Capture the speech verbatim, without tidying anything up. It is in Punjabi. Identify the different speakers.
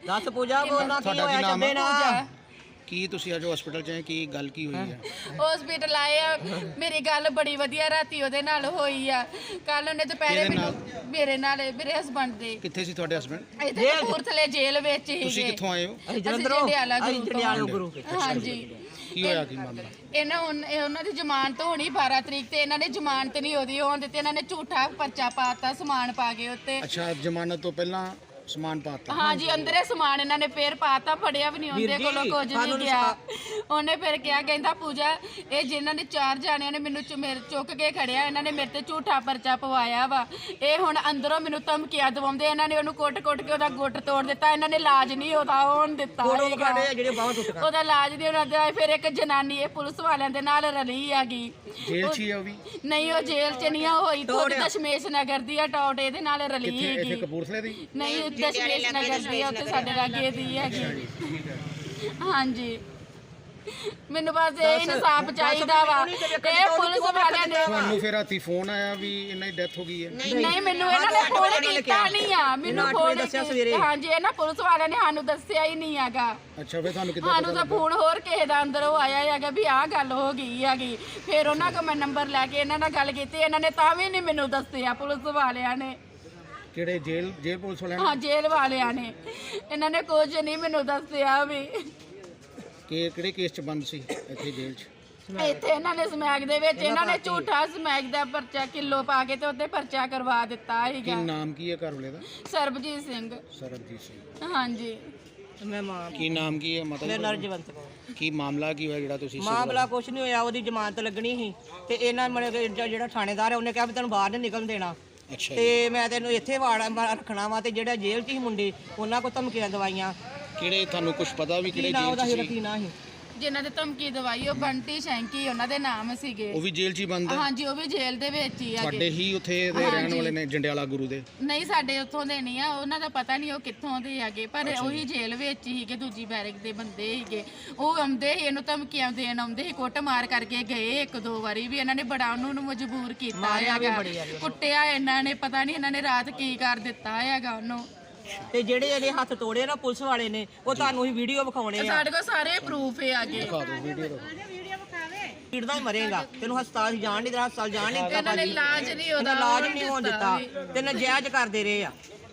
Speaker 1: दस पूजा बोलना की होया जब्बे ना
Speaker 2: ਕੀ ਤੁਸੀਂ ਅੱਜ ਹਸਪੀਟਲ ਚ ਆਏ ਕੀ ਗੱਲ ਕੀ ਹੋਈ ਹੈ
Speaker 3: ਹਸਪੀਟਲ ਆਏ ਆ ਮੇਰੀ ਗੱਲ ਬੜੀ ਵਧੀਆ ਰਾਤੀ ਉਹਦੇ ਨਾਲ ਹੋਈ ਆ ਕੱਲ ਉਹਨੇ ਦੁਪਹਿਰੇ ਮੈਨੂੰ ਮੇਰੇ ਨਾਲ ਮੇਰੇ ਹਸਬੰਡ ਦੇ
Speaker 2: ਕਿੱਥੇ ਸੀ ਤੁਹਾਡੇ ਹਸਬੰਡ
Speaker 3: ਇੱਥੇ ਕਪੂਰਥਲੇ ਜੇਲ੍ਹ ਵਿੱਚ ਹੀ
Speaker 2: ਤੁਸੀਂ ਕਿੱਥੋਂ ਆਏ ਹੋ
Speaker 1: ਅਸੀਂ ਜਲੰਧਰੋਂ
Speaker 3: ਜੰਡਿਆਲਾ
Speaker 1: ਅਸੀਂ ਜੰਡਿਆਲਾ ਗੁਰੂ
Speaker 3: ਹਾਂਜੀ
Speaker 2: ਕੀ ਹੋਇਆ ਕੀ ਮਾਮਲਾ
Speaker 3: ਇਹਨਾਂ ਹੁਣ ਇਹ ਉਹਨਾਂ ਦੀ ਜ਼ਮਾਨਤ ਹੋਣੀ ਬਾਰਾਂ ਤਰੀਕ ਤੇ ਇਹਨਾਂ ਨੇ ਜ਼ਮਾਨਤ ਨਹੀਂ ਉਹਦੀ ਹੋਣ ਦਿੱਤੀ ਇਹਨਾਂ ਨੇ ਝੂਠਾ ਪਰਚਾ ਪਾਤਾ ਸਮਾਨ ਪਾ ਕੇ ਉੱਤੇ
Speaker 2: ਅੱਛਾ ਜ਼ਮਾਨਤ ਤੋਂ ਪਹਿਲਾਂ ਸਮਾਨ ਪਾਤਾ
Speaker 3: ਹਾਂਜੀ ਅੰਦਰੇ ਸਮਾਨ ਇਹਨਾਂ ਨੇ ਫੇਰ ਪਾਤਾ ਫੜਿਆ ਵੀ ਨਹੀਂ ਉਹਦੇ ਕੋਲੋਂ ਕੁਝ ਨਹੀਂ ਗਿਆ ਉਹਨੇ ਫਿਰ ਕਿਹਾ ਕਹਿੰਦਾ ਪੂਜਾ ਇਹ ਜਿਨ੍ਹਾਂ ਨੇ ਚਾਰ ਜਾਣਿਆਂ ਨੇ ਮੈਨੂੰ ਮੇਰੇ ਚੁੱਕ ਕੇ ਖੜਿਆ ਇਹਨਾਂ ਨੇ ਮੇਰੇ ਤੇ ਝੂਠਾ ਪਰਚਾ ਪਵਾਇਆ ਵਾ ਇਹ ਹੁਣ ਅੰਦਰੋਂ ਮੈਨੂੰ ਧਮਕੀਆਂ ਦਵਾਉਂਦੇ ਇਹਨਾਂ ਨੇ ਉਹਨੂੰ ਕੁੱਟ-ਕੁੱਟ ਕੇ ਉਹਦਾ ਗੁੱਟ ਤੋੜ ਦਿੱਤਾ ਇਹਨਾਂ ਨੇ ਇਲਾਜ ਨਹੀਂ ਉਹਦਾ ਹੋਣ ਦਿੱਤਾ ਉਹਦਾ ਇਲਾਜ ਨਹੀਂ ਉਹਨਾਂ ਦਾ ਫਿਰ ਇੱਕ ਜਨਾਨੀ ਇਹ ਪੁਲਿਸ ਵਾਲਿਆਂ ਦੇ ਨਾਲ ਰਲੀ ਹੈਗੀ
Speaker 2: ਜੇਲ੍ਹ 'ਚ ਹੀ ਆ ਉਹ ਵੀ
Speaker 3: ਨਹੀਂ ਉਹ ਜੇਲ੍ਹ 'ਚ ਨਹੀਂ ਹੋਈ ਖੁਦ ਦਸ਼ਮੇਸ਼ ਨਗਰ ਦੀ ਆ ਟੌਟ ਇਹਦੇ ਨਾਲ ਰਲੀ
Speaker 2: ਇੱਥੇ ਇੱਥੇ
Speaker 3: ਹੈਗੀ
Speaker 2: ਕਪੂਰਥਲੇ ਦੀ
Speaker 3: ਨਹੀਂ ਦਸ਼ਮੇਸ਼ ਨਗਰ ਦੀ ਆ ਉੱਥੇ ਸਾਡੇ ਲਾਗੇ ਦੀ ਹੈਗੀ ਹਾਂਜੀ ਮੈਨੂੰ ਬਸ ਇਹ ਇਨਸਾਫ ਚਾਹੀਦਾ ਵਾ ਇਹ ਪੁਲਿਸ ਵਾਲਿਆਂ ਨੇ
Speaker 2: ਤੁਹਾਨੂੰ ਫਿਰ ਰਾਤੀ ਫੋਨ ਆਇਆ ਵੀ ਇਹਨਾਂ ਦੀ ਡੈਥ ਹੋ ਗਈ ਹੈ
Speaker 3: ਨਹੀਂ ਮੈਨੂੰ ਇਹਨਾਂ ਨੇ ਫੋਨ ਕੀਤਾ ਨਹੀਂ ਆ ਮੈਨੂੰ ਫੋਨ
Speaker 1: ਦੱਸਿਆ ਸਵੇਰੇ
Speaker 3: ਹਾਂਜੀ ਇਹਨਾਂ ਪੁਲਿਸ ਵਾਲਿਆਂ ਨੇ ਸਾਨੂੰ ਦੱਸਿਆ ਹੀ ਨਹੀਂ ਹੈਗਾ
Speaker 2: ਅੱਛਾ ਫਿਰ ਤੁਹਾਨੂੰ ਕਿੱਦਾਂ
Speaker 3: ਸਾਨੂੰ ਤਾਂ ਫੋਨ ਹੋਰ ਕਿਸੇ ਦਾ ਅੰਦਰ ਉਹ ਆਇਆ ਹੈਗਾ ਵੀ ਆਹ ਗੱਲ ਹੋ ਗਈ ਹੈਗੀ ਫਿਰ ਉਹਨਾਂ ਕੋਲ ਮੈਂ ਨੰਬਰ ਲੈ ਕੇ ਇਹਨਾਂ ਨਾਲ ਗੱਲ ਕੀਤੀ ਇਹਨਾਂ ਨੇ ਤਾਂ ਵੀ ਨਹੀਂ ਮੈਨੂੰ ਦੱਸਿਆ ਪੁਲਿਸ ਵਾਲਿਆਂ ਨੇ
Speaker 2: ਕਿਹੜੇ ਜੇਲ੍ਹ ਜੇਲ੍ਹ ਪੁਲਿਸ ਵਾਲਿਆਂ
Speaker 3: ਹਾਂ ਜੇਲ੍ਹ ਵਾਲਿਆਂ ਨੇ ਇਹਨਾਂ ਨੇ ਕੁਝ ਨਹੀਂ ਮੈਨੂੰ ਦੱਸਿਆ ਵੀ
Speaker 2: ਕਿ ਕਿਹੜੇ ਕੇਸ 'ਚ ਬੰਦ ਸੀ ਇੱਥੇ ਜੇਲ੍ਹ 'ਚ
Speaker 3: ਇੱਥੇ ਇਹਨਾਂ ਨੇ ਸਮੈਕ ਦੇ ਵਿੱਚ ਇਹਨਾਂ ਨੇ ਝੂਠਾ ਸਮੈਕ ਦਾ ਪਰਚਾ ਕਿਲੋ ਪਾ ਕੇ ਤੇ ਉੱਤੇ ਪਰਚਾ ਕਰਵਾ ਦਿੱਤਾ
Speaker 2: ਕੀ
Speaker 3: ਸੀਗਾ
Speaker 2: ਨਾਮ ਕੀ ਹੈ ਘਰ ਵਾਲੇ ਦਾ
Speaker 3: ਸਰਬਜੀਤ ਸਿੰਘ
Speaker 2: ਸਰਬਜੀਤ ਸਿੰਘ
Speaker 3: ਹਾਂਜੀ
Speaker 1: ਮੈਂ ਮਾਂ
Speaker 2: ਕੀ ਨਾਮ ਕੀ ਹੈ
Speaker 1: ਮੇਰਾ
Speaker 2: ਮਤਲਬ
Speaker 1: ਨਰਜਵੰਤ ਕੌਰ
Speaker 2: ਕੀ ਮਾਮਲਾ ਕੀ ਹੋਇਆ ਜਿਹੜਾ ਤੁਸੀਂ
Speaker 1: ਮਾਮਲਾ ਕੁਛ ਨਹੀਂ ਹੋਇਆ ਉਹਦੀ ਜ਼ਮਾਨਤ ਲੱਗਣੀ ਸੀ ਤੇ ਇਹਨਾਂ ਮਨੇ ਜਿਹੜਾ ਥਾਣੇਦਾਰ ਹੈ ਉਹਨੇ ਕਿਹਾ ਵੀ ਤੈਨੂੰ ਬਾਹਰ ਨਹੀਂ ਨਿਕਲਣ ਦੇਣਾ
Speaker 2: ਅੱਛਾ ਜੀ।
Speaker 1: ਤੇ ਮੈਂ ਤੈਨੂੰ ਇੱਥੇ ਵਾੜ ਰੱਖਣਾ ਵਾ ਤੇ ਜਿਹੜਾ ਜੇਲ੍ਹ 'ਚ ਸੀ ਮੁੰਡੇ ਉਹਨਾਂ ਕੋਲ ਧਮਕੀਆਂ ਦਵਾਈਆਂ
Speaker 2: ਕਿਹੜੇ ਤੁਹਾਨੂੰ ਕੁਝ ਪਤਾ ਵੀ
Speaker 1: ਕੀ
Speaker 2: ਕਿਹੜੇ
Speaker 1: ਨਾ
Speaker 2: ਜੇਲ੍ਹ
Speaker 1: ਉਹਦਾ
Speaker 2: 'ਚ
Speaker 1: ਹੀ
Speaker 2: ਸੀ
Speaker 1: ਕੀ ਨਾ ਸੀ
Speaker 3: ਜਿਨ੍ਹਾਂ ਦੇ ਧਮਕੀ ਦਵਾਈ ਉਹ ਬੰਟੀ ਸ਼ੈਂਕੀ ਉਹਨਾਂ ਦੇ ਨਾਮ ਸੀਗੇ
Speaker 2: ਉਹ ਵੀ ਜੇਲ੍ਹ 'ਚ ਹੀ ਬੰਦ ਹੈ
Speaker 3: ਹਾਂਜੀ ਉਹ ਵੀ ਜੇਲ੍ਹ ਦੇ ਵਿੱਚ ਹੀ
Speaker 2: ਤੁਹਾਡੇ
Speaker 3: ਹੈਗੇ
Speaker 2: ਹੀ ਉੱਥੇ ਦੇ ਰਹਿਣ
Speaker 3: ਹਾਂਜੀ।
Speaker 2: ਵਾਲੇ ਨੇ ਜੰਡਿਆਲਾ ਗੁਰੂ ਦੇ
Speaker 3: ਨਹੀਂ ਸਾਡੇ ਉੱਥੋਂ ਦੇ ਨਹੀਂ ਆ ਉਹਨਾਂ ਦਾ ਪਤਾ ਨਹੀਂ ਉਹ ਕਿੱਥੋਂ ਦੇ ਹੈਗੇ ਪਰ ਉਹੀ ਜੇਲ੍ਹ ਵਿੱਚ ਹੀ ਸੀਗੇ ਦੂਜੀ ਬੈਰਕ ਦੇ ਬੰਦੇ ਸੀਗੇ ਉਹ ਆਉਂਦੇ ਸੀ ਇਹਨੂੰ ਧਮਕੀਆਂ ਦੇਣ ਆਉਂਦੇ ਸੀ ਕੁੱਟ ਮਾਰ ਕਰਕੇ ਗਏ ਇੱਕ ਦੋ ਵਾਰੀ ਵੀ ਇਹਨਾਂ ਨੇ ਬੜਾ ਉਹਨੂੰ ਮਜਬੂਰ ਕੀਤਾ ਹੈਗਾ ਕੁੱਟਿਆ ਇਹਨਾਂ ਨੇ ਪਤਾ ਨਹੀਂ ਇਹਨਾਂ ਨੇ ਰਾਤ ਕੀ ਕਰ ਦਿੱਤਾ ਹੈਗਾ ਉਹਨੂੰ
Speaker 1: ਤੇ ਜਿਹੜੇ ਇਹਦੇ ਹੱਥ ਤੋੜੇ ਨਾ ਪੁਲਿਸ ਵਾਲੇ ਨੇ ਉਹ ਤੁਹਾਨੂੰ ਹੀ ਵੀਡੀਓ ਵਿਖਾਉਣੇ ਆ
Speaker 3: ਸਾਡੇ ਕੋਲ ਸਾਰੇ ਪ੍ਰੂਫ ਹੈ ਆਗੇ
Speaker 2: ਦਿਖਾ ਦਿਓ ਵੀਡੀਓ ਦਿਖਾਓ
Speaker 1: ਕਿੜਦਾ ਹੀ ਮਰੇਗਾ ਤੈਨੂੰ ਹਸਪਤਾਲ ਜਾਣ ਨਹੀਂ ਦੇਣਾ ਹਸਪਤਾਲ ਜਾਣ ਨਹੀਂ ਦਿੱਤਾ
Speaker 3: ਇਹਨਾਂ ਨੇ ਇਲਾਜ ਨਹੀਂ ਉਹਦਾ
Speaker 1: ਇਲਾਜ ਨਹੀਂ ਹੋਣ ਦਿੱਤਾ ਤੇ ਨਜਾਇਜ਼ ਕਰਦੇ ਰਹੇ ਆ